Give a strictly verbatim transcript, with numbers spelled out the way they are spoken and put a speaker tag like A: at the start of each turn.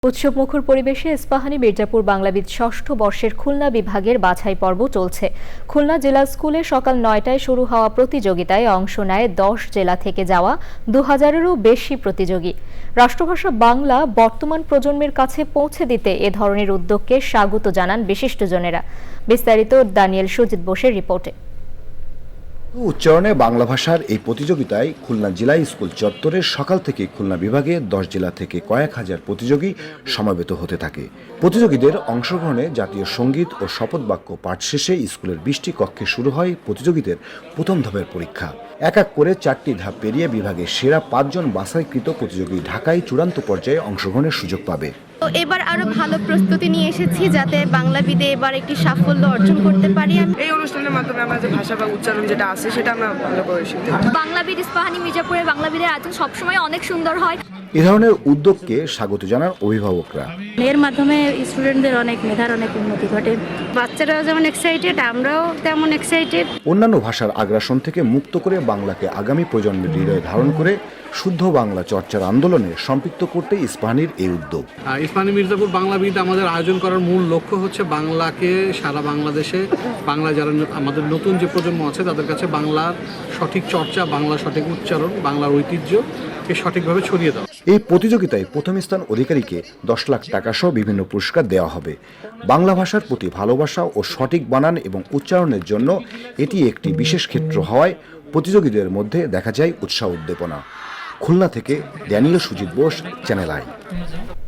A: উৎসবমুখর পরিবেশে ইস্পাহানী মির্জাপুর বাংলাবিদ ষষ্ঠ বর্ষের খুলনা বিভাগের বাছাই পর্ব চলছে। খুলনা জেলা স্কুলে সকাল নয়টায় শুরু হওয়া প্রতিযোগিতায় অংশ নেয় দশ জেলা থেকে যাওয়া দু হাজারেরও বেশি প্রতিযোগী। রাষ্ট্রভাষা বাংলা বর্তমান প্রজন্মের কাছে পৌঁছে দিতে এ ধরনের উদ্যোগকে স্বাগত জানান বিশিষ্টজনেরা। বিস্তারিত দানিয়েল সুজিত বোসের রিপোর্টে।
B: উচ্চারণে বাংলা ভাষার এই প্রতিযোগিতায় খুলনা জেলা স্কুল চত্বরের সকাল থেকে খুলনা বিভাগে দশ জেলা থেকে কয়েক হাজার প্রতিযোগী সমাবেত হতে থাকে। প্রতিযোগীদের অংশগ্রহণে জাতীয় সঙ্গীত ও শপথ বাক্য পাঠ শেষে স্কুলের বিশটি কক্ষে শুরু হয় প্রতিযোগীদের প্রথম ধাপের পরীক্ষা। এক এক করে চারটি ধাপ পেরিয়ে বিভাগের সেরা পাঁচজন বাছাইকৃত প্রতিযোগী ঢাকায় চূড়ান্ত পর্যায়ে অংশগ্রহণের সুযোগ পাবে।
C: এবার আরো ভালো প্রস্তুতি নিয়ে এসেছি যাতে বাংলাবিদে এবার একটি সাফল্য অর্জন করতে পারি।
D: এই অনুষ্ঠানের মাধ্যমে আমরা যে ভাষা বা উচ্চারণ যেটা আছে সেটা আমরা ভালো করে শিখতে পারি।
C: বাংলাবিদ ইস্পাহানী মির্জাপুরের বাংলাবিদের আয়োজন সবসময় অনেক সুন্দর হয়।
B: এ ধরনের উদ্যোগকে স্বাগত জানান অভিভাবকরা।
E: এর মাধ্যমে স্টুডেন্টদের অনেক মেধার অনেক উন্নতি ঘটে।
F: বাচ্চারাও যেমন এক্সাইটেড, আমরাও তেমন এক্সাইটেড।
B: অন্যান্য ভাষার আগ্রাসন থেকে মুক্ত করে বাংলাকে আগামী প্রজন্মের হৃদয়ে ধারণ করে শুদ্ধ বাংলা চর্চার আন্দোলনে সম্পৃক্ত করতে ইস্পাহানীর এই উদ্যোগ।
G: ইস্পাহানী মির্জাপুর বাংলাবিদ আমাদের আয়োজন করার মূল লক্ষ্য হচ্ছে বাংলাকে সারা বাংলাদেশে বাংলা যারা আমাদের নতুন যে প্রজন্ম আছে তাদের কাছে বাংলার সঠিক চর্চা, বাংলার সঠিক উচ্চারণ, বাংলার ঐতিহ্যকে সঠিকভাবে ছড়িয়ে দেওয়া।
B: এই প্রতিযোগিতায় প্রথম স্থান অধিকারীকে দশ লাখ টাকা সহ বিভিন্ন পুরস্কার দেওয়া হবে। বাংলা ভাষার প্রতি ভালোবাসা ও সঠিক বানান এবং উচ্চারণের জন্য এটি একটি বিশেষ ক্ষেত্র হওয়ায় প্রতিযোগীদের মধ্যে দেখা যায় উৎসাহ উদ্দীপনা। খুলনা থেকে Daniel Sujit Bose, Channel I.